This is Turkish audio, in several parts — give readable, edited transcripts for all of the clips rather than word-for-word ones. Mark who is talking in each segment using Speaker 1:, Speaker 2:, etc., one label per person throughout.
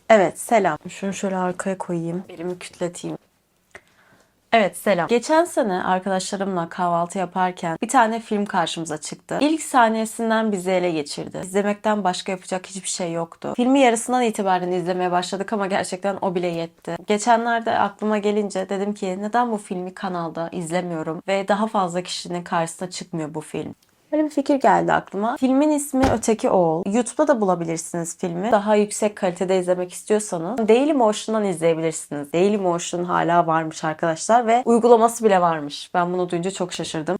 Speaker 1: Evet, selam. Şunu şöyle arkaya koyayım. Elimi kütleteyim. Evet, selam. Geçen sene arkadaşlarımla kahvaltı yaparken bir tane film karşımıza çıktı. İlk saniyesinden bizi ele geçirdi. İzlemekten başka yapacak hiçbir şey yoktu. Filmi yarısından itibaren izlemeye başladık ama gerçekten o bile yetti. Geçenlerde aklıma gelince dedim ki neden bu filmi kanalda izlemiyorum ve daha fazla kişinin karşısına çıkmıyor bu film. Böyle bir fikir geldi aklıma. Filmin ismi Öteki Oğul. YouTube'da da bulabilirsiniz filmi. Daha yüksek kalitede izlemek istiyorsanız Dailymotion'dan izleyebilirsiniz. Dailymotion hala varmış arkadaşlar ve uygulaması bile varmış. Ben bunu duyunca çok şaşırdım.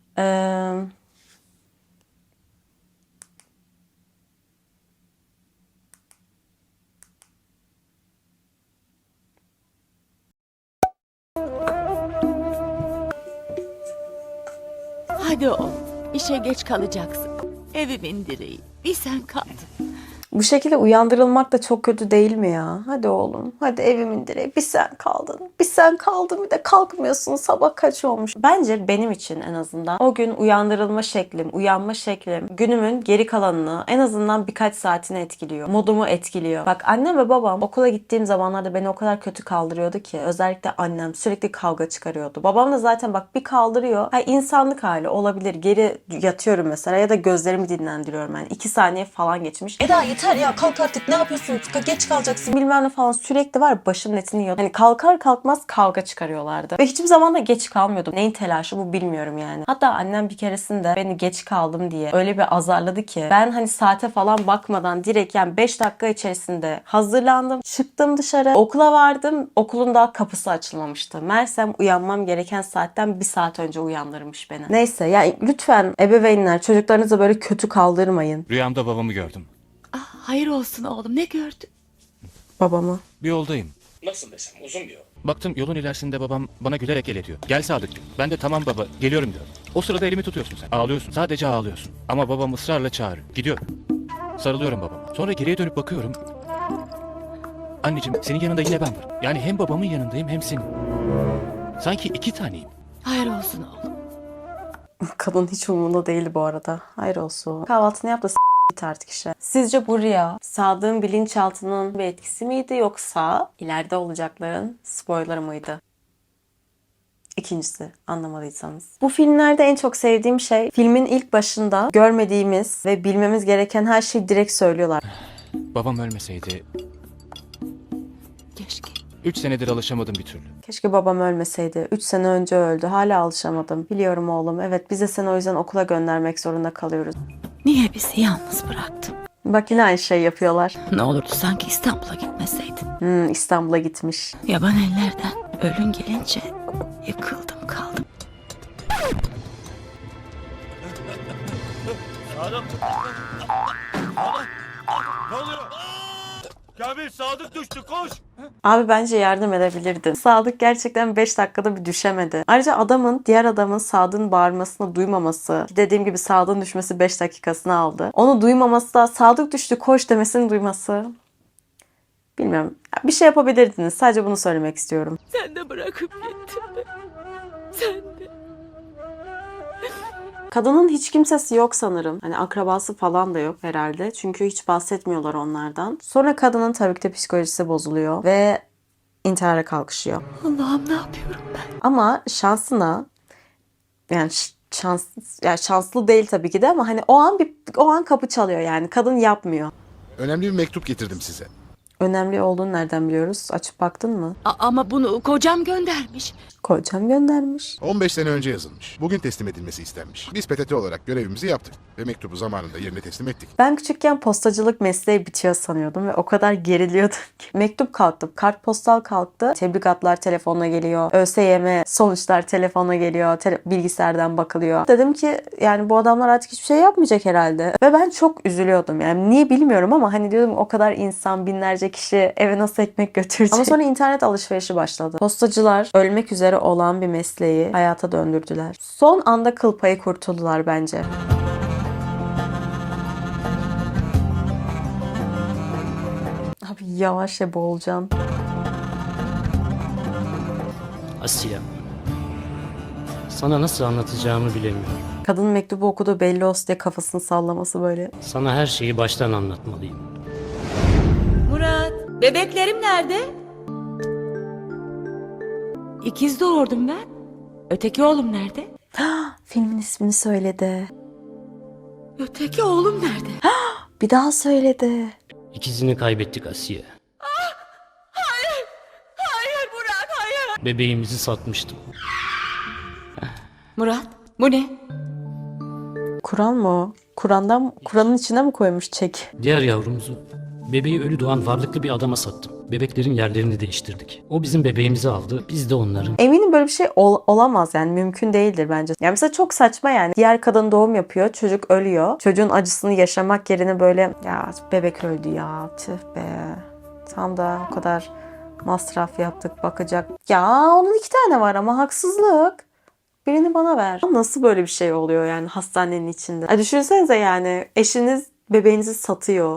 Speaker 2: Hadi oğlum, işe geç kalacaksın. Evimin direği, bir sen kaldın.
Speaker 1: Bu şekilde uyandırılmak da çok kötü değil mi ya? Hadi oğlum, hadi evimin direği. Bir sen kaldın. Bir sen kaldın bir de kalkmıyorsun. Sabah kaç olmuş? Bence benim için en azından o gün uyandırılma şeklim, uyanma şeklim günümün geri kalanını en azından birkaç saatini etkiliyor. Modumu etkiliyor. Bak annem ve babam okula gittiğim zamanlarda beni o kadar kötü kaldırıyordu ki. Özellikle annem sürekli kavga çıkarıyordu. Babam da zaten bak bir kaldırıyor. Ha, insanlık hali olabilir. Geri yatıyorum mesela ya da gözlerimi dinlendiriyorum. Yani 2 saniye falan geçmiş. Eda yeter ya kalk artık ne yapıyorsun geç kalacaksın bilmem ne falan sürekli var başımın etini yiyor. Hani kalkar kalkmaz kavga çıkarıyorlardı. Ve hiçbir zaman da geç kalmıyordum. Neyin telaşı bu bilmiyorum yani. Hatta annem bir keresinde beni geç kaldım diye öyle bir azarladı ki ben hani saate falan bakmadan direkt yani 5 dakika içerisinde hazırlandım. Çıktım dışarı. Okula vardım. Okulun daha kapısı açılmamıştı. Meğersem uyanmam gereken saatten 1 saat önce uyandırmış beni. Neyse yani lütfen ebeveynler çocuklarınızı böyle kötü kaldırmayın.
Speaker 3: Rüyamda babamı gördüm.
Speaker 2: Ah, hayır olsun oğlum, ne gördün?
Speaker 1: Babamı.
Speaker 3: Bir yoldayım.
Speaker 4: Nasıl desem uzun bir yol.
Speaker 3: Baktım yolun ilerisinde babam bana gülerek el ediyor. Gel Sadık diyor. Ben de tamam baba geliyorum diyorum. O sırada elimi tutuyorsun sen. Ağlıyorsun. Sadece ağlıyorsun. Ama babam ısrarla çağırıyor. Gidiyorum. Sarılıyorum babama. Sonra geriye dönüp bakıyorum. Anneciğim senin yanında yine ben varım. Yani hem babamın yanındayım hem senin. Sanki 2 taneyim.
Speaker 2: Hayır olsun oğlum.
Speaker 1: Kadın hiç umurunda değildi bu arada. Hayır olsun. Kahvaltını yap da git artık işe. Sizce bu rüya Sadık'ın bilinçaltının bir etkisi miydi yoksa ileride olacakların spoiler mıydı? İkincisi anlamadıysanız. Bu filmlerde en çok sevdiğim şey filmin ilk başında görmediğimiz ve bilmemiz gereken her şeyi direkt söylüyorlar.
Speaker 3: Babam ölmeseydi
Speaker 2: Keşke.
Speaker 3: 3 senedir alışamadım bir türlü.
Speaker 1: Keşke babam ölmeseydi. 3 sene önce öldü. Hala alışamadım. Biliyorum oğlum. Evet biz de seni o yüzden okula göndermek zorunda kalıyoruz.
Speaker 2: Niye bizi yalnız bıraktın?
Speaker 1: Bak yine aynı şey yapıyorlar.
Speaker 2: Ne olurdu sanki İstanbul'a gitmeseydin.
Speaker 1: İstanbul'a gitmiş.
Speaker 2: Yaban ellerden ölün gelince yıkıldım kaldım.
Speaker 4: Ne oluyor? Kamil Sadık düştü koş.
Speaker 1: Abi bence yardım edebilirdin. Sadık gerçekten 5 dakikada bir düşemedi. Ayrıca diğer adamın Sadık'ın bağırmasını duymaması, dediğim gibi Sadık'ın düşmesi 5 dakikasını aldı. Onu duymaması da Sadık düştü koş demesini duyması. Bilmiyorum. Bir şey yapabilirdiniz. Sadece bunu söylemek istiyorum.
Speaker 2: Sen de bırakıp gittin mi? Sen de.
Speaker 1: Kadının hiç kimsesi yok sanırım. Hani akrabası falan da yok herhalde. Çünkü hiç bahsetmiyorlar onlardan. Sonra kadının tabii ki de psikolojisi bozuluyor ve intihara kalkışıyor.
Speaker 2: Allah'ım ne yapıyorum ben?
Speaker 1: Ama şansına yani şanslı değil tabii ki de ama hani o an kapı çalıyor yani. Kadın yapmıyor.
Speaker 5: Önemli bir mektup getirdim size.
Speaker 1: Önemli olduğunu nereden biliyoruz? Açıp baktın mı?
Speaker 2: Ama bunu kocam göndermiş.
Speaker 1: Kocam göndermiş.
Speaker 5: 15 sene önce yazılmış. Bugün teslim edilmesi istenmiş. Biz PTT olarak görevimizi yaptık ve mektubu zamanında yerine teslim ettik.
Speaker 1: Ben küçükken postacılık mesleği bitiyor sanıyordum ve o kadar geriliyordum ki. Mektup kalktı, kartpostal kalktı, tebligatlar telefonla geliyor, ÖSYM sonuçlar telefonla geliyor, bilgisayardan bakılıyor. Dedim ki yani bu adamlar artık hiçbir şey yapmayacak herhalde. Ve ben çok üzülüyordum yani niye bilmiyorum ama hani diyordum o kadar insan binlerce kişi eve nasıl ekmek götürecek. Ama sonra internet alışverişi başladı. Postacılar ölmek üzere olan bir mesleği hayata döndürdüler. Son anda kıl payı kurtuldular bence. Abi yavaş ya boğulacaksın.
Speaker 6: Asya. Sana nasıl anlatacağımı bilemiyorum.
Speaker 1: Kadın mektubu okudu belli olsun diye kafasını sallaması böyle.
Speaker 6: Sana her şeyi baştan anlatmalıyım.
Speaker 2: Murat. Bebeklerim nerede? İkiz doğurdum ben. Öteki oğlum nerede?
Speaker 1: Filmin ismini söyledi.
Speaker 2: Öteki oğlum nerede?
Speaker 1: Bir daha söyledi.
Speaker 6: İkizini kaybettik Asiye.
Speaker 2: Hayır Murat, hayır.
Speaker 6: Bebeğimizi satmıştım.
Speaker 2: Murat, bu ne?
Speaker 1: Kur'an mı o? Kur'an'ın içine mi koymuş çek?
Speaker 6: Diğer yavrumuzu, bebeği ölü doğan varlıklı bir adama sattım. Bebeklerin yerlerini değiştirdik. O bizim bebeğimizi aldı, biz de onların.
Speaker 1: Eminim böyle bir şey olamaz yani mümkün değildir bence. Yani mesela çok saçma yani. Diğer kadın doğum yapıyor, çocuk ölüyor. Çocuğun acısını yaşamak yerine böyle ya bebek öldü ya tüh be. Tam da o kadar masraf yaptık bakacak. Ya onun 2 tane var ama haksızlık. Birini bana ver. Nasıl böyle bir şey oluyor yani hastanenin içinde? Düşünsenize yani eşiniz bebeğinizi satıyor.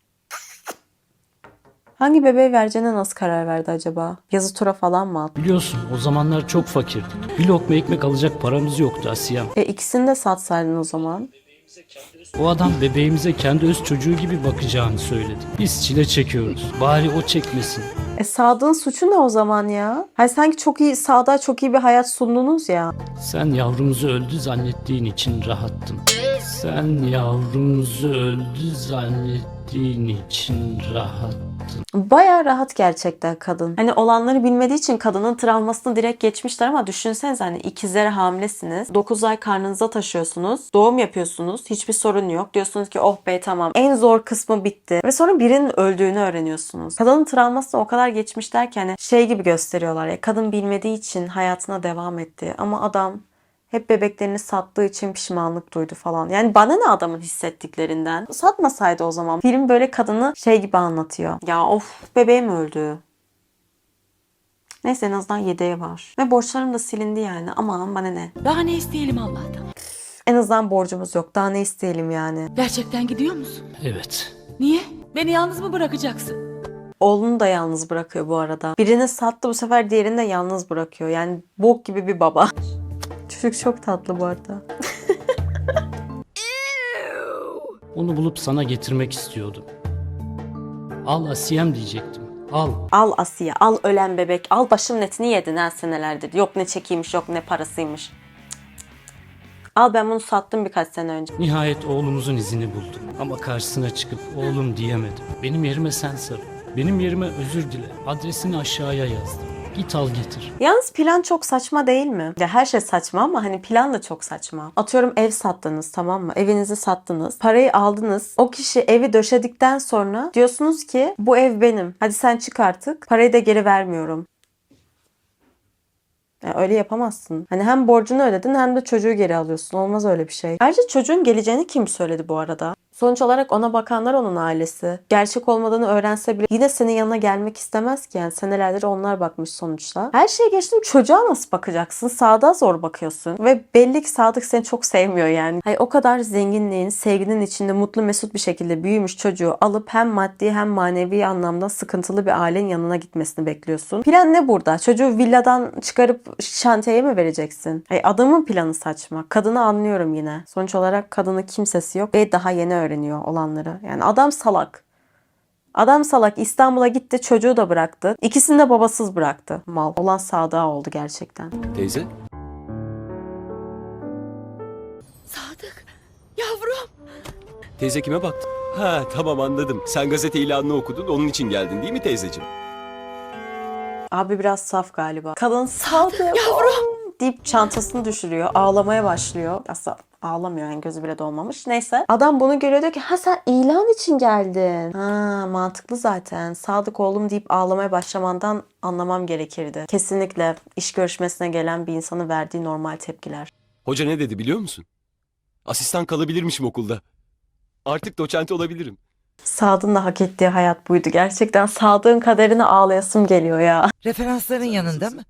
Speaker 1: Hangi bebeği vereceğine nasıl karar verdi acaba? Yazı tura falan mı attı?
Speaker 6: Biliyorsun o zamanlar çok fakirdik. Bir lokma ekmek alacak paramız yoktu Asiyem.
Speaker 1: İkisini de satsaydın o zaman.
Speaker 6: O adam bebeğimize kendi öz çocuğu gibi bakacağını söyledi. Biz çile çekiyoruz. Bari o çekmesin.
Speaker 1: Sadık'ın suçu ne o zaman ya? Hayır sanki Sadık'a çok iyi bir hayat sundunuz ya.
Speaker 6: Sen yavrumuzu öldü zannettiğin için rahattın. Sen yavrumuzu öldü zannettiğin için rahattın.
Speaker 1: Bayağı rahat gerçekten kadın. Hani olanları bilmediği için kadının travmasını direkt geçmişler ama düşünsenize hani ikizlere hamilesiniz. 9 ay karnınıza taşıyorsunuz. Doğum yapıyorsunuz. Hiçbir sorun yok. Diyorsunuz ki oh be tamam. En zor kısmı bitti. Ve sonra birinin öldüğünü öğreniyorsunuz. Kadının travmasını o kadar geçmişler ki hani şey gibi gösteriyorlar ya. Kadın bilmediği için hayatına devam etti. Ama adam hep bebeklerini sattığı için pişmanlık duydu falan. Yani bana ne adamın hissettiklerinden? Satmasaydı o zaman. Film böyle kadını şey gibi anlatıyor. Ya of bebeğim öldü. Neyse en azından yedeği var. Ve borçlarım da silindi yani. Aman bana ne.
Speaker 2: Daha ne isteyelim Allah'tan?
Speaker 1: En azından borcumuz yok. Daha ne isteyelim yani.
Speaker 2: Gerçekten gidiyor musun?
Speaker 6: Evet.
Speaker 2: Niye? Beni yalnız mı bırakacaksın?
Speaker 1: Oğlunu da yalnız bırakıyor bu arada. Birini sattı bu sefer diğerini de yalnız bırakıyor. Yani bok gibi bir baba. Çocuk çok tatlı bu arada.
Speaker 6: Onu bulup sana getirmek istiyordum. Al Asiyem diyecektim. Al.
Speaker 1: Al Asiye, al ölen bebek, al başım netini yedin ha senelerdir. Yok ne çekiymiş, yok ne parasıymış. Al ben bunu sattım birkaç sene önce.
Speaker 6: Nihayet oğlumuzun izini buldum. Ama karşısına çıkıp oğlum diyemedim. Benim yerime sen sarıl. Benim yerime özür dile. Adresini aşağıya yazdım. Git al getir.
Speaker 1: Yalnız plan çok saçma değil mi? Ya her şey saçma ama hani plan da çok saçma. Atıyorum ev sattınız tamam mı? Evinizi sattınız. Parayı aldınız. O kişi evi döşedikten sonra diyorsunuz ki bu ev benim. Hadi sen çık artık. Parayı da geri vermiyorum. Yani öyle yapamazsın. Hani hem borcunu ödedin hem de çocuğu geri alıyorsun. Olmaz öyle bir şey. Ayrıca çocuğun geleceğini kim söyledi bu arada? Sonuç olarak ona bakanlar onun ailesi. Gerçek olmadığını öğrense bile yine senin yanına gelmek istemez ki. Yani senelerdir onlar bakmış sonuçta. Her şeye geçtim çocuğa nasıl bakacaksın? Sadık'a zor bakıyorsun. Ve belli ki Sadık seni çok sevmiyor yani. Hayır, o kadar zenginliğin, sevginin içinde mutlu mesut bir şekilde büyümüş çocuğu alıp hem maddi hem manevi anlamda sıkıntılı bir ailenin yanına gitmesini bekliyorsun. Plan ne burada? Çocuğu villadan çıkarıp şantiyeye mi vereceksin? Hayır, adamın planı saçma. Kadını anlıyorum yine. Sonuç olarak kadının kimsesi yok ve daha yeni öğreniyor olanları. Yani adam salak. Adam salak İstanbul'a gitti çocuğu da bıraktı. İkisini de babasız bıraktı. Mal. Olan Sadık'a oldu gerçekten.
Speaker 7: Teyze?
Speaker 2: Sadık, yavrum.
Speaker 7: Teyze kime baktın? Ha tamam anladım. Sen gazete ilanını okudun onun için geldin değil mi teyzeciğim?
Speaker 1: Abi biraz saf galiba. Kadın Sadık yavrum deyip çantasını düşürüyor. Ağlamaya başlıyor. Aslında ağlamıyor yani gözü bile dolmamış. Neyse. Adam bunu görüyor diyor ki ha sen ilan için geldin. Ha mantıklı zaten. Sadık oğlum deyip ağlamaya başlamandan anlamam gerekirdi. Kesinlikle iş görüşmesine gelen bir insanın verdiği normal tepkiler.
Speaker 7: Hoca ne dedi biliyor musun? Asistan kalabilirmişim okulda. Artık doçent olabilirim.
Speaker 1: Sadık'ın da hak ettiği hayat buydu. Gerçekten Sadık'ın kaderine ağlayasım geliyor ya.
Speaker 8: Referansların yanında mı?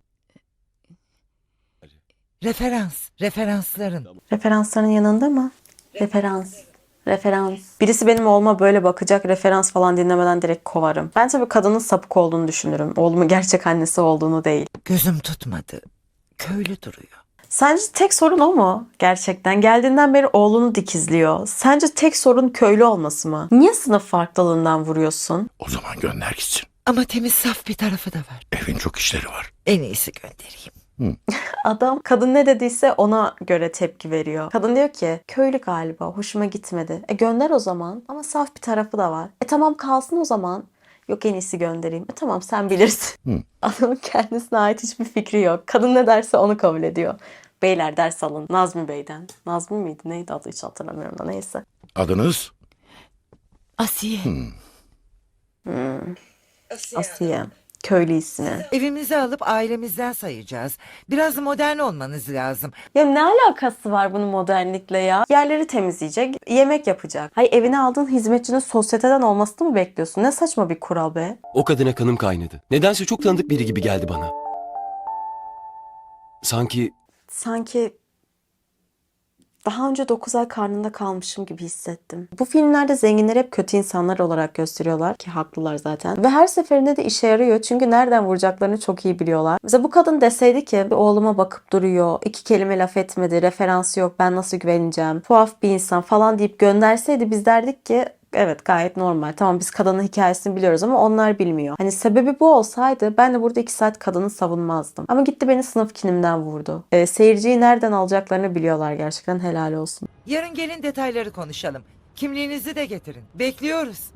Speaker 8: Referansların.
Speaker 1: Referansların yanında mı? Referans. Birisi benim oğluma böyle bakacak, referans falan dinlemeden direkt kovarım. Ben tabii kadının sapık olduğunu düşünürüm. Oğlumun gerçek annesi olduğunu değil.
Speaker 8: Gözüm tutmadı. Köylü duruyor.
Speaker 1: Sence tek sorun o mu? Gerçekten. Geldiğinden beri oğlunu dikizliyor. Sence tek sorun köylü olması mı? Niye sınıf farklılığından vuruyorsun?
Speaker 5: O zaman gönder gitsin.
Speaker 8: Ama temiz saf bir tarafı da var.
Speaker 9: Evin çok işleri var.
Speaker 8: En iyisi göndereyim.
Speaker 1: Adam kadın ne dediyse ona göre tepki veriyor. Kadın diyor ki köylü galiba, hoşuma gitmedi. Gönder o zaman, ama saf bir tarafı da var. Tamam kalsın o zaman. Yok, en iyisi göndereyim. Tamam, sen bilirsin. Adamın kendisine ait hiçbir fikri yok. Kadın ne derse onu kabul ediyor. Beyler ders alın. Nazmi Bey'den. Nazmi miydi? Neydi adı, hiç hatırlamıyorum da neyse.
Speaker 9: Adınız?
Speaker 2: Asiye.
Speaker 1: Asiye. Köylü ismi.
Speaker 8: Evimizi alıp ailemizden sayacağız. Biraz modern olmanız lazım.
Speaker 1: Ya ne alakası var bunun modernlikle ya? Yerleri temizleyecek, yemek yapacak. Hayır, evine aldığın hizmetçinin sosyeteden olmasını mı bekliyorsun? Ne saçma bir kural be.
Speaker 7: O kadına kanım kaynadı. Nedense çok tanıdık biri gibi geldi bana. Sanki
Speaker 1: Daha önce 9 ay karnında kalmışım gibi hissettim. Bu filmlerde zenginleri hep kötü insanlar olarak gösteriyorlar ki haklılar zaten. Ve her seferinde de işe yarıyor çünkü nereden vuracaklarını çok iyi biliyorlar. Mesela bu kadın deseydi ki oğluma bakıp duruyor, 2 kelime laf etmedi, referansı yok, ben nasıl güveneceğim, tuhaf bir insan falan deyip gönderseydi biz derdik ki evet, gayet normal. Tamam, biz kadının hikayesini biliyoruz ama onlar bilmiyor. Hani sebebi bu olsaydı ben de burada 2 saat kadını savunmazdım. Ama gitti beni sınıf kinimden vurdu. Seyirciyi nereden alacaklarını biliyorlar gerçekten, helal olsun.
Speaker 8: Yarın gelin detayları konuşalım. Kimliğinizi de getirin. Bekliyoruz.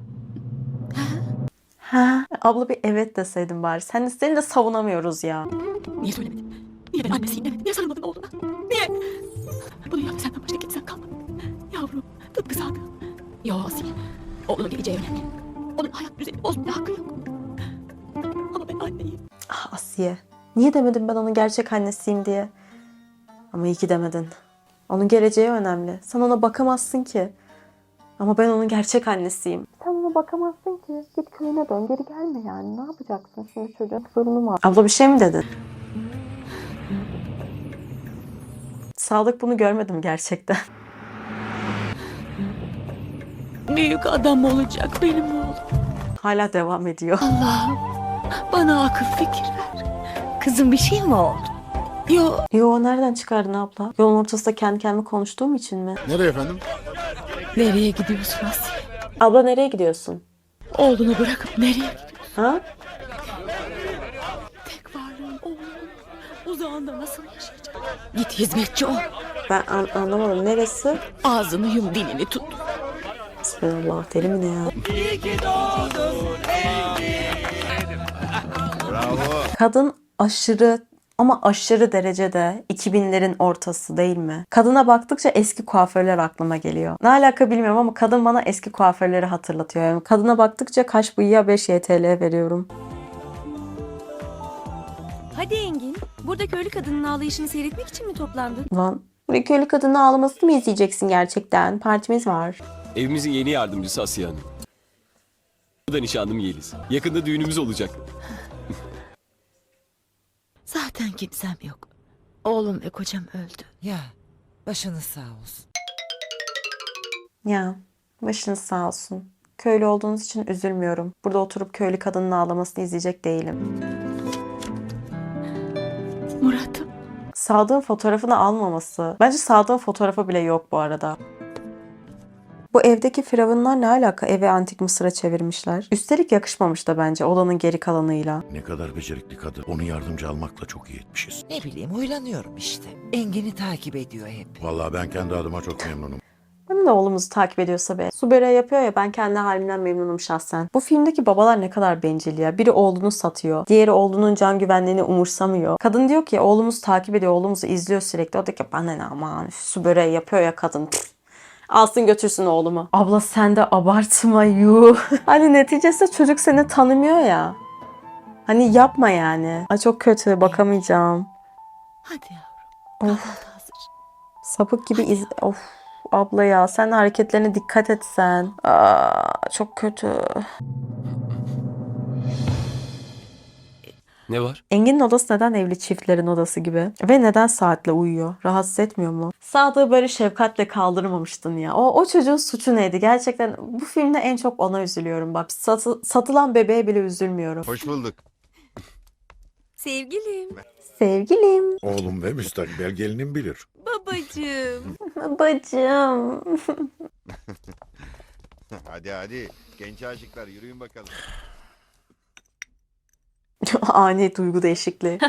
Speaker 1: Ha, abla bir evet deseydin bari. Seni de savunamıyoruz ya.
Speaker 2: Niye söylemedin? Niye ben annesiyim demek? Niye sarılmadın oğluna? Niye? Bunu yaptı senden başka kimsen kalmadı. Yavrum, tıpkı Sadık. Yo Asiye, oğlunun geleceği önemli. Onun hayat düzenini bozmaya hakkı yok. Ama ben anneyim.
Speaker 1: Ah Asiye. Niye demedim ben onun gerçek annesiyim diye? Ama iyi ki demedin. Onun geleceği önemli. Sen ona bakamazsın ki. Ama ben onun gerçek annesiyim. Sen ona bakamazsın ki. Git köyüne dön. Geri gelme yani. Ne yapacaksın şimdi, çocuğun sorunu var. Abla bir şey mi dedin? Sadık bunu görmedim gerçekten.
Speaker 2: Büyük adam olacak benim oğlum.
Speaker 1: Hala devam ediyor.
Speaker 2: Allah'ım, bana akıl fikir ver. Kızım bir şey mi oldu? Yo,
Speaker 1: Yo, nereden çıkardın abla? Yolun ortasında kendi kendime konuştuğum için mi?
Speaker 5: Nereye efendim?
Speaker 2: nereye gidiyorsun Asiye?
Speaker 1: Abla nereye gidiyorsun?
Speaker 2: Oğlunu bırakıp nereye gidiyorsun?
Speaker 1: Ha?
Speaker 2: Tek varlığın oğlun. Uzağında nasıl yaşayacak? Git hizmetçi ol.
Speaker 1: Ben anlamadım. Neresi?
Speaker 2: Ağzını yum, dilini tut.
Speaker 1: Bismillah, deli mi ne ya? Kadın aşırı ama aşırı derecede 2000'lerin ortası değil mi? Kadına baktıkça eski kuaförler aklıma geliyor. Ne alaka bilmiyorum ama kadın bana eski kuaförleri hatırlatıyor. Yani kadına baktıkça kaş bıyığa 5 YTL veriyorum.
Speaker 10: Hadi Engin, burada köylü kadının ağlayışını seyretmek için mi toplandın?
Speaker 1: Lan, buraya köylü kadının ağlamasını mı izleyeceksin gerçekten? Partimiz var.
Speaker 7: evimizin yeni yardımcısı Asiye Hanım. Bu da nişanlım Yeliz. Yakında düğünümüz olacak.
Speaker 2: Zaten kimsem yok. Oğlum ve kocam öldü.
Speaker 8: Ya başınız sağ olsun.
Speaker 1: Ya, başınız sağ olsun. Köylü olduğunuz için üzülmüyorum. Burada oturup köylü kadının ağlamasını izleyecek değilim.
Speaker 2: Murat'ım.
Speaker 1: Sadık'ın fotoğrafını almaması. Bence Sadık'ın fotoğrafı bile yok bu arada. Bu evdeki firavunlar ne alaka, evi antik Mısır'a çevirmişler. Üstelik yakışmamış da bence odanın geri kalanıyla.
Speaker 9: Ne kadar becerikli kadın. Onu yardımcı almakla çok iyi etmişiz.
Speaker 8: Ne bileyim huylanıyorum işte. Engin'i takip ediyor hep.
Speaker 9: Vallahi ben kendi adıma çok memnunum.
Speaker 1: Benim de oğlumuzu takip ediyorsa be. Subera yapıyor ya, ben kendi halimden memnunum şahsen. Bu filmdeki babalar ne kadar bencil ya. Biri oğlunu satıyor. Diğeri oğlunun can güvenliğini umursamıyor. Kadın diyor ki oğlumuz takip ediyor. Oğlumuzu izliyor sürekli. O diyor ki bana ne, aman Subera yapıyor ya kadın. Pff. Alsın götürsün oğlumu. Abla sen de abartma yuh. Hani neticesinde çocuk seni tanımıyor ya. Hani yapma yani. Ay çok kötü, bakamayacağım.
Speaker 2: Hadi yavrum.
Speaker 1: Of.
Speaker 2: Kahvaltı hazır.
Speaker 1: Sapık gibi Of abla ya, sen hareketlerine dikkat etsen. Çok kötü.
Speaker 7: Ne var?
Speaker 1: Engin'in odası neden evli çiftlerin odası gibi? Ve neden saatle uyuyor? Rahatsız etmiyor mu? Sadık'ı böyle şefkatle kaldırmamıştın ya. O çocuğun suçu neydi? Gerçekten bu filmde en çok ona üzülüyorum. Bak satılan bebeğe bile üzülmüyorum.
Speaker 5: Hoş bulduk.
Speaker 10: Sevgilim,
Speaker 1: Sevgilim.
Speaker 9: Oğlum ve müstakbel gelinim bilir.
Speaker 10: babacığım.
Speaker 1: Bacım.
Speaker 4: Hadi hadi. Genç aşıklar yürüyün bakalım.
Speaker 1: Ani duygu değişikliği.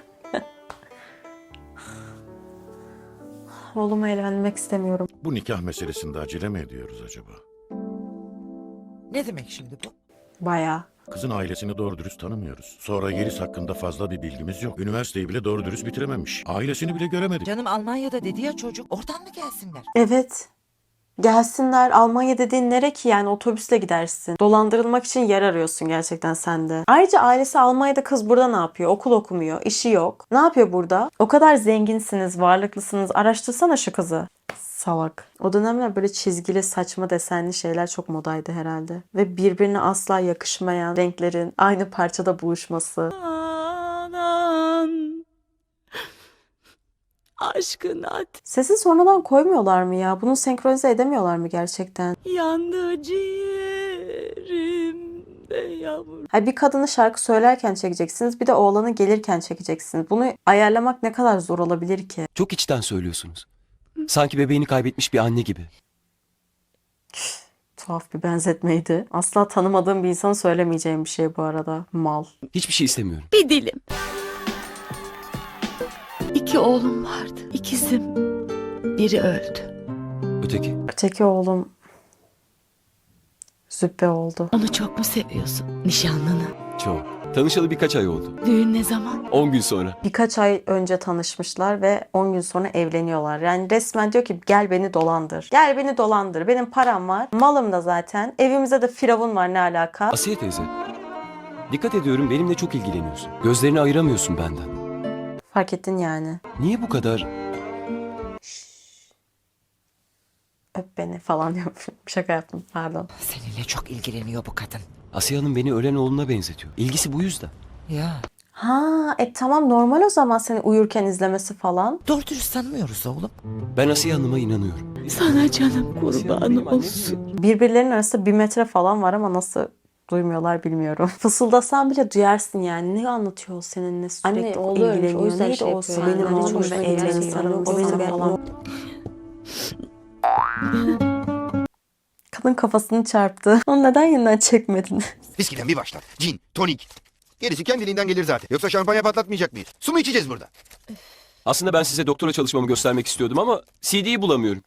Speaker 1: Oğluma evlenmek istemiyorum.
Speaker 9: Bu nikah meselesinde acele mi ediyoruz acaba?
Speaker 8: Ne demek şimdi bu?
Speaker 1: Bayağı.
Speaker 9: Kızın ailesini doğru dürüst tanımıyoruz. Sonra Yeliz hakkında fazla bir bilgimiz yok. Üniversiteyi bile doğru dürüst bitirememiş. Ailesini bile göremedik.
Speaker 8: Canım Almanya'da dedi ya çocuk. Oradan mı gelsinler?
Speaker 1: Evet. Gelsinler. Almanya dediğin nere ki yani, otobüsle gidersin. Dolandırılmak için yer arıyorsun gerçekten sen de. Ayrıca ailesi Almanya'da, kız burada ne yapıyor? Okul okumuyor, işi yok. Ne yapıyor burada? O kadar zenginsiniz, varlıklısınız. Araştırsana şu kızı. Salak. O dönemler böyle çizgili, saçma desenli şeyler çok modaydı herhalde. Ve birbirine asla yakışmayan renklerin aynı parçada buluşması.
Speaker 2: Anam. Aşkın at
Speaker 1: Sesi sonradan koymuyorlar mı ya? Bunu senkronize edemiyorlar mı gerçekten?
Speaker 2: yandı ciğerimde yavrum.
Speaker 1: Ha, bir kadını şarkı söylerken çekeceksiniz, bir de oğlanı gelirken çekeceksiniz. Bunu ayarlamak ne kadar zor olabilir ki?
Speaker 7: Çok içten söylüyorsunuz. Sanki bebeğini kaybetmiş bir anne gibi.
Speaker 1: Tuhaf bir benzetmeydi. Asla tanımadığım bir insanın söylemeyeceğim bir şey bu arada. Mal.
Speaker 7: Hiçbir şey istemiyorum.
Speaker 2: Bir dilim. 2 oğlum vardı. İkizim. Biri öldü.
Speaker 7: Öteki?
Speaker 1: Öteki oğlum züppe oldu.
Speaker 2: Onu çok mu seviyorsun? Nişanlını.
Speaker 7: Çok. Tanışalı birkaç ay oldu.
Speaker 2: Düğün ne zaman?
Speaker 7: 10 gün sonra.
Speaker 1: Birkaç ay önce tanışmışlar ve 10 gün sonra evleniyorlar. Yani resmen diyor ki gel beni dolandır. Gel beni dolandır. Benim param var. Malım da zaten. Evimizde de firavun var, ne alaka?
Speaker 7: Asiye teyze. Dikkat ediyorum, benimle çok ilgileniyorsun. Gözlerini ayıramıyorsun benden.
Speaker 1: Fark ettin yani.
Speaker 7: Niye bu kadar...
Speaker 1: Öp beni falan diyormuşum. Şaka yaptım, pardon.
Speaker 8: Seninle çok ilgileniyor bu kadın.
Speaker 7: Asiye Hanım beni ölen oğluna benzetiyor. İlgisi bu yüzden.
Speaker 8: Ya.
Speaker 1: Ha, tamam, normal o zaman seni uyurken izlemesi falan.
Speaker 8: Doğru dürüst tanımıyoruz oğlum.
Speaker 7: Ben Asiye Hanım'a inanıyorum.
Speaker 2: Sana canım
Speaker 7: Asiye Hanım
Speaker 2: kurban
Speaker 7: benim annem
Speaker 2: olsun.
Speaker 7: değil.
Speaker 1: Birbirlerinin arasında 1 metre falan var ama nasıl duymuyorlar bilmiyorum. Fısıldasan bile duyarsın yani. Ne anlatıyor o seninle sürekli
Speaker 11: Anne, oğlu ölmüş,
Speaker 1: ilgileniyor.
Speaker 11: o yüzden
Speaker 1: Neydi
Speaker 11: şey
Speaker 1: o
Speaker 11: yapıyor
Speaker 1: benim
Speaker 11: yani.
Speaker 1: oğlum
Speaker 11: Hoşuna
Speaker 1: ve
Speaker 11: gider
Speaker 1: evlenin
Speaker 11: şey.
Speaker 1: sarılması
Speaker 11: Yoksa ben-
Speaker 1: falan. Kadın kafasını çarptı. Onu neden yeniden çekmedin?
Speaker 4: Viskiden bir başlar. Cin, tonik. Gerisi kendiliğinden gelir zaten. Yoksa şampanya patlatmayacak mıyız? Su mu içeceğiz burada?
Speaker 7: Aslında ben size doktora çalışmamı göstermek istiyordum ama CD'yi bulamıyorum.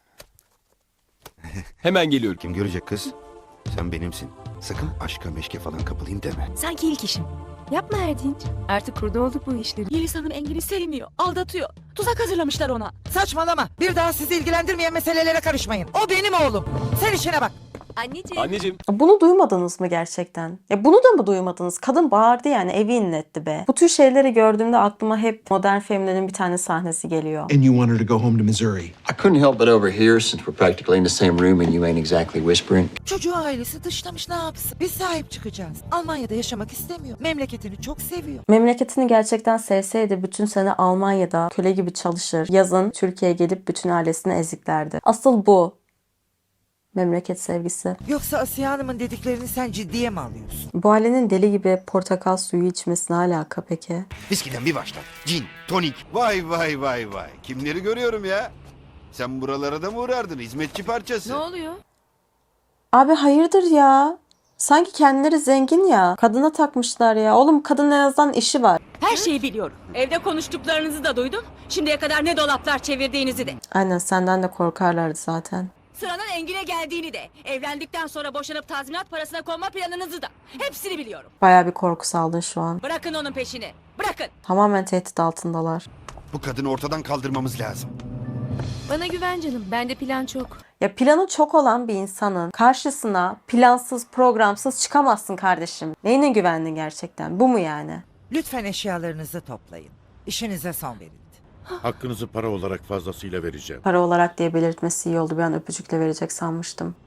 Speaker 7: Hemen geliyorum.
Speaker 4: Kim görecek kız? Sen benimsin. Sakın aşka meşke falan kapılayım deme.
Speaker 10: Sanki ilk işim. Yapma Erdinç. Artık kurdu olduk bu işleri.
Speaker 2: Yeliz Hanım Engin'i sevmiyor. Aldatıyor. Tuzak hazırlamışlar ona.
Speaker 8: Saçmalama. Bir daha sizi ilgilendirmeyen meselelere karışmayın. O benim oğlum. Sen işine bak.
Speaker 10: Anneciğim.
Speaker 7: Anneciğim.
Speaker 1: Bunu duymadınız mı gerçekten? Ya bunu da mı duymadınız? Kadın bağırdı yani, evi inletti be. Bu tür şeyleri gördüğümde aklıma hep Modern Family'nin bir tane sahnesi geliyor.
Speaker 12: And you want her to go home to Missouri.
Speaker 13: I couldn't help but overhear since we're practically in the same room and you ain't exactly whispering.
Speaker 8: Çocuğu ailesi dışlamış, ne yapsın? Biz sahip çıkacağız. Almanya'da yaşamak istemiyor. Memleketini çok seviyor.
Speaker 1: Memleketini gerçekten sevseydi bütün sene Almanya'da köle gibi çalışır. Yazın Türkiye'ye gelip bütün ailesini eziklerdi. Asıl bu. Memleket sevgisi.
Speaker 8: Yoksa Asiye Hanım'ın dediklerini sen ciddiye mi alıyorsun?
Speaker 1: Bu ailenin deli gibi portakal suyu içmesi ne alaka peki?
Speaker 4: Viskiden bir başlar. Cin, tonik. Vay vay vay vay. Kimleri görüyorum ya? Sen buralara da mı uğrardın? Hizmetçi parçası.
Speaker 10: Ne oluyor?
Speaker 1: Abi hayırdır ya? Sanki kendileri zengin ya. Kadına takmışlar ya. Oğlum kadının en azından işi var.
Speaker 2: Her şeyi biliyorum. Evde konuştuklarınızı da duydum. Şimdiye kadar ne dolaplar çevirdiğinizi de.
Speaker 1: Aynen, senden de korkarlardı zaten.
Speaker 2: Sıranın Engin'e geldiğini de. Evlendikten sonra boşanıp tazminat parasına konma planınızı da. Hepsini biliyorum.
Speaker 1: Bayağı bir korku saldın şu an.
Speaker 2: Bırakın onun peşini. Bırakın.
Speaker 1: Tamamen tehdit altındalar.
Speaker 4: Bu kadını ortadan kaldırmamız lazım.
Speaker 10: Bana güven canım. Bende plan çok.
Speaker 1: Ya planı çok olan bir insanın karşısına plansız, programsız çıkamazsın kardeşim. Neyine güvendin gerçekten? Bu mu yani?
Speaker 8: Lütfen eşyalarınızı toplayın. İşinize son verin.
Speaker 9: Hakkınızı para olarak fazlasıyla vereceğim.
Speaker 1: Para olarak diye belirtmesi iyi oldu. Bir an öpücükle verecek sanmıştım.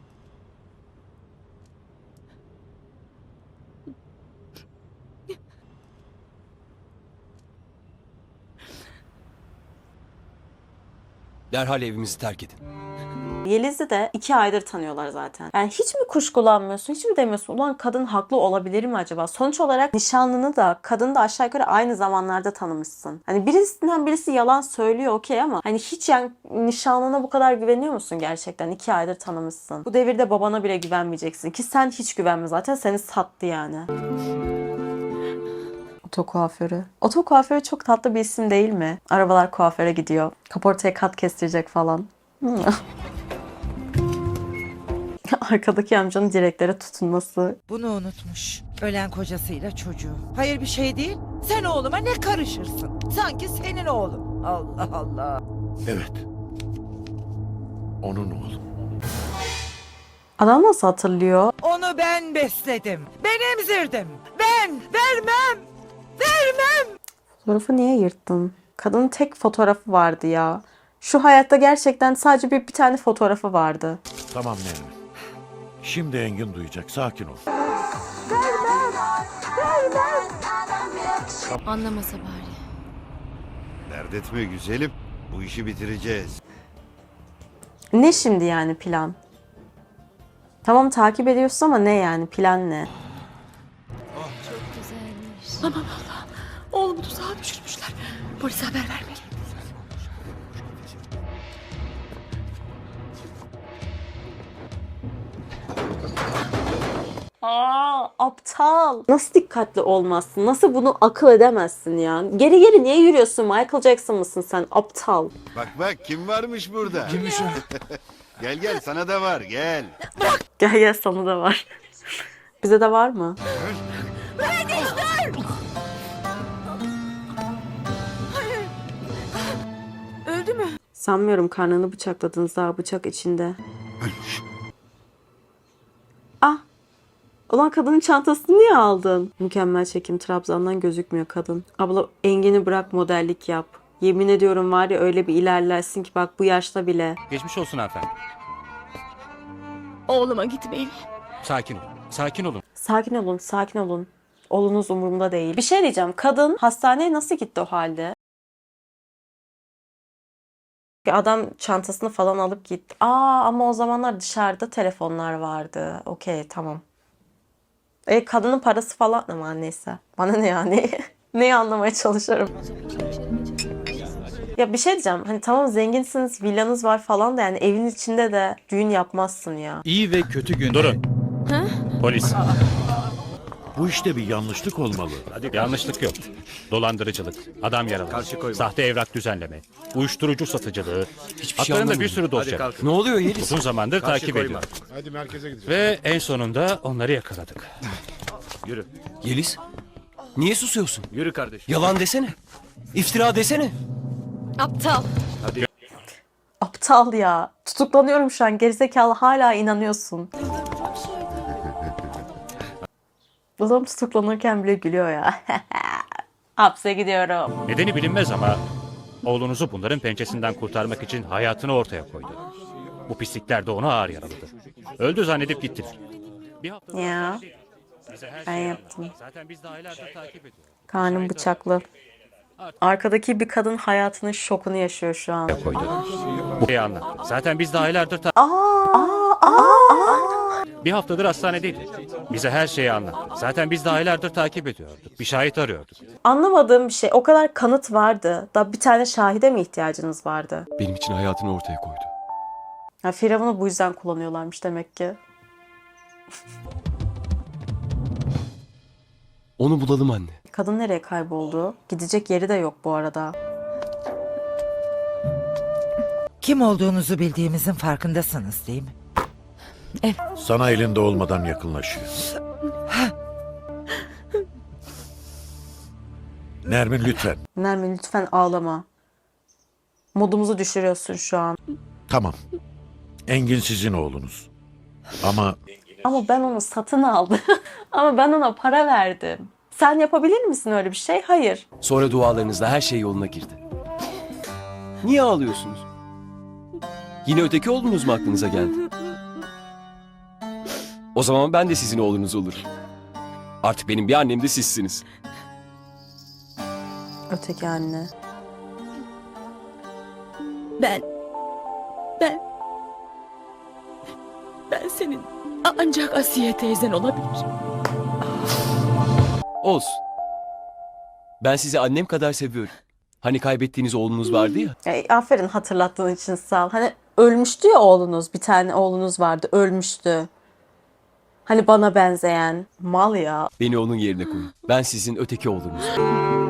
Speaker 7: Derhal evimizi terk edin.
Speaker 1: Yeliz'i de 2 aydır tanıyorlar zaten. Yani hiç mi kuşkulanmıyorsun? Hiç mi demiyorsun? Ulan kadın haklı olabilir mi acaba? Sonuç olarak nişanlını da kadını da aşağı yukarı aynı zamanlarda tanımışsın. Hani birisinden birisi yalan söylüyor okey ama hani hiç yani nişanlına bu kadar güveniyor musun gerçekten? 2 aydır tanımışsın. Bu devirde babana bile güvenmeyeceksin ki sen hiç güvenme zaten, seni sattı yani. Oto kuaförü. Oto kuaförü çok tatlı bir isim değil mi? Arabalar kuaföre gidiyor. Kaportaya kat kestirecek falan. Arkadaki amcanın direklere tutunması.
Speaker 8: Bunu unutmuş. Ölen kocasıyla çocuğu. Hayır bir şey değil. Sen oğluma ne karışırsın? Sanki senin oğlun. Allah Allah.
Speaker 9: Evet. Onun oğlu.
Speaker 1: Adam nasıl hatırlıyor?
Speaker 8: Onu ben besledim. Ben emzirdim. Ben vermem. Vermem.
Speaker 1: Fotoğrafı niye yırttın? Kadının tek fotoğrafı vardı ya. Şu hayatta gerçekten sadece bir tane fotoğrafı vardı.
Speaker 9: Tamam Nermin. Şimdi Engin duyacak. Sakin ol.
Speaker 10: Anlamasa bari.
Speaker 4: Dert etme güzelim. Bu işi bitireceğiz.
Speaker 1: Ne şimdi yani plan? Tamam takip ediyorsun ama ne yani plan ne?
Speaker 10: Güzelmiş.
Speaker 2: Aman Allah'ım. Oğlumu tuzağa düşürmüşler. Polise haber vermeliyim.
Speaker 1: Aptal. Nasıl dikkatli olmazsın? Nasıl bunu akıl edemezsin ya? Geri geri niye yürüyorsun? Michael Jackson mısın sen? Aptal.
Speaker 4: Bak bak kim varmış burada? Kimmiş o? Gel gel sana da var gel.
Speaker 1: Gel gel sana da var. Bize de var mı?
Speaker 10: Öldü mü?
Speaker 1: Sanmıyorum, karnını bıçakladınız, daha bıçak içinde. Ah! Ulan kadının çantasını niye aldın? Mükemmel çekim, Trabzon'dan gözükmüyor kadın. Abla Engin'i bırak, modellik yap. Yemin ediyorum var ya, öyle bir ilerlersin ki bak bu yaşta bile.
Speaker 3: Geçmiş olsun hanımefendi.
Speaker 2: Oğluma gitmeyin.
Speaker 3: Sakin olun. Sakin olun.
Speaker 1: Sakin olun, sakin olun. Oğlunuz umurumda değil. Bir şey diyeceğim, kadın hastaneye nasıl gitti o halde? Adam çantasını falan alıp gitti. Ama o zamanlar dışarıda telefonlar vardı. Okey, tamam. Kadının parası falan ama neyse. Bana ne yani? Neyi anlamaya çalışıyorum? Ya bir şey diyeceğim. Hani tamam zenginsiniz, villanız var falan da yani evin içinde de düğün yapmazsın ya.
Speaker 3: İyi ve kötü gün. Durun. Polis.
Speaker 9: Bu işte bir yanlışlık olmalı.
Speaker 3: Yanlışlık yok. Dolandırıcılık, adam yaralaması, sahte evrak düzenleme, uyuşturucu satıcılığı. Haklarında bir sürü dosya var.
Speaker 7: Ne oluyor Yeliz?
Speaker 3: Uzun zamandır takip ediyor.
Speaker 5: Hadi merkeze gideceğiz.
Speaker 3: Ve en sonunda onları yakaladık.
Speaker 7: Yeliz? Niye susuyorsun? Yürü kardeşim. Yalan desene. İftira desene.
Speaker 10: Aptal.
Speaker 1: Aptal ya. Tutuklanıyorum şu an. Gerizekalı, hala inanıyorsun. Adam tutuklanırken bile gülüyor ya. Hapse gidiyorum.
Speaker 3: Nedeni bilinmez ama oğlunuzu bunların pençesinden kurtarmak için hayatını ortaya koydu. Bu pislikler de onu ağır yaraladı. Öldü zannedip gittiler. Bir hafta
Speaker 1: Ya.
Speaker 3: bize her
Speaker 1: Ben
Speaker 3: şeyi
Speaker 1: yaptım.
Speaker 3: anlattı. Zaten biz de aylardır takip ediyoruz.
Speaker 1: Karnım bıçaklı. Arkadaki bir kadın hayatının şokunu yaşıyor şu an.
Speaker 3: Koydu. Bu şeyi anlattı. Zaten biz de aylardır bir haftadır hastanedeydi. Bize her şeyi anlattı. Zaten biz de aylardır takip ediyorduk. Bir şahit arıyorduk.
Speaker 1: Anlamadığım bir şey. O kadar kanıt vardı. Da bir tane şahide mi ihtiyacınız vardı?
Speaker 7: Benim için hayatını ortaya koydu.
Speaker 1: Ya Firavun'u bu yüzden kullanıyorlarmış demek ki.
Speaker 7: Onu bulalım anne.
Speaker 1: Kadın nereye kayboldu? Gidecek yeri de yok bu arada.
Speaker 8: Kim olduğunuzu bildiğimizin farkındasınız değil mi?
Speaker 9: Sana elinde olmadan yakınlaşıyor. Nermin lütfen.
Speaker 1: Nermin lütfen ağlama. Modumuzu düşürüyorsun şu an.
Speaker 9: Tamam. Engin sizin oğlunuz. Ama
Speaker 1: Ama ben onu satın aldım. Ama ben ona para verdim. Sen yapabilir misin öyle bir şey? Hayır.
Speaker 7: Sonra dualarınızla her şey yoluna girdi. Niye ağlıyorsunuz? Yine öteki oğlunuz mu aklınıza geldi? O zaman ben de sizin oğlunuz olurum. Artık benim bir annem de sizsiniz.
Speaker 1: Öteki anne.
Speaker 2: Ben senin ancak Asiye teyzen olabilirim.
Speaker 7: Olsun. Ben sizi annem kadar seviyorum. Hani kaybettiğiniz oğlunuz vardı ya.
Speaker 1: Aferin, hatırlattığın için sağ ol. Hani ölmüştü ya oğlunuz. Bir tane oğlunuz vardı. Ölmüştü. Hani bana benzeyen. Mal ya.
Speaker 7: Beni onun yerine koyun. Ben sizin öteki oğlunuzum.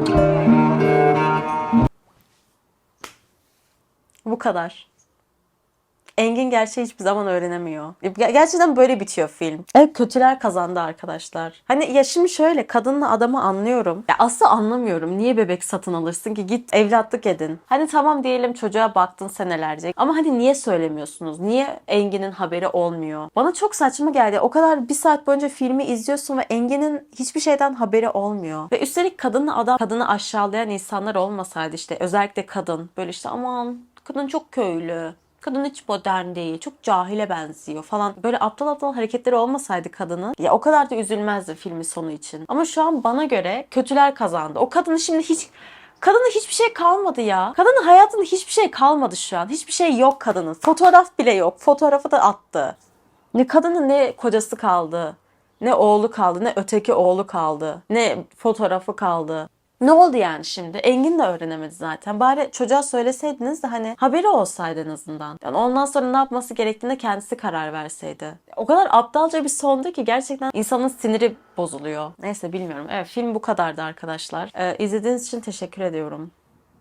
Speaker 1: Bu kadar. Engin gerçeği hiçbir zaman öğrenemiyor. Gerçekten böyle bitiyor film. Evet, kötüler kazandı arkadaşlar. Hani ya şimdi şöyle, kadınla adamı anlıyorum. Ya aslı anlamıyorum. Niye bebek satın alırsın ki? Git evlatlık edin. Hani tamam diyelim, çocuğa baktın senelerce. Ama hani niye söylemiyorsunuz? Niye Engin'in haberi olmuyor? Bana çok saçma geldi. O kadar bir saat boyunca filmi izliyorsun ve Engin'in hiçbir şeyden haberi olmuyor. Ve üstelik kadınla adam, kadını aşağılayan insanlar olmasaydı, işte özellikle kadın. Böyle işte aman kadın çok köylü. Kadın hiç modern değil, çok cahile benziyor falan. Böyle aptal aptal hareketleri olmasaydı kadının, ya o kadar da üzülmezdi filmin sonu için. Ama şu an bana göre kötüler kazandı. O kadını şimdi kadının hiçbir şey kalmadı ya. Kadının hayatında hiçbir şey kalmadı şu an. Hiçbir şey yok kadının. Fotoğraf bile yok. Fotoğrafı da attı. Ne kadının ne kocası kaldı, ne oğlu kaldı, ne öteki oğlu kaldı, ne fotoğrafı kaldı. Ne oldu yani şimdi? Engin de öğrenemedi zaten. Bari çocuğa söyleseydiniz de hani haberi olsaydı en azından. Yani ondan sonra ne yapması gerektiğine kendisi karar verseydi. O kadar aptalca bir sondu ki gerçekten insanın siniri bozuluyor. Neyse, bilmiyorum. Evet, film bu kadardı arkadaşlar. İzlediğiniz için teşekkür ediyorum.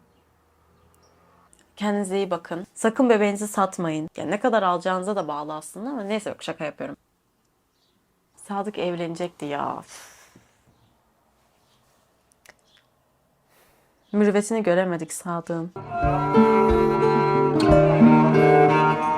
Speaker 1: Kendinize iyi bakın. Sakın bebeğinizi satmayın. Yani ne kadar alacağınıza da bağlı aslında, ama neyse, yok, şaka yapıyorum. Sadık evlenecekti ya. Mürüvvetini göremedik Sadık'ın.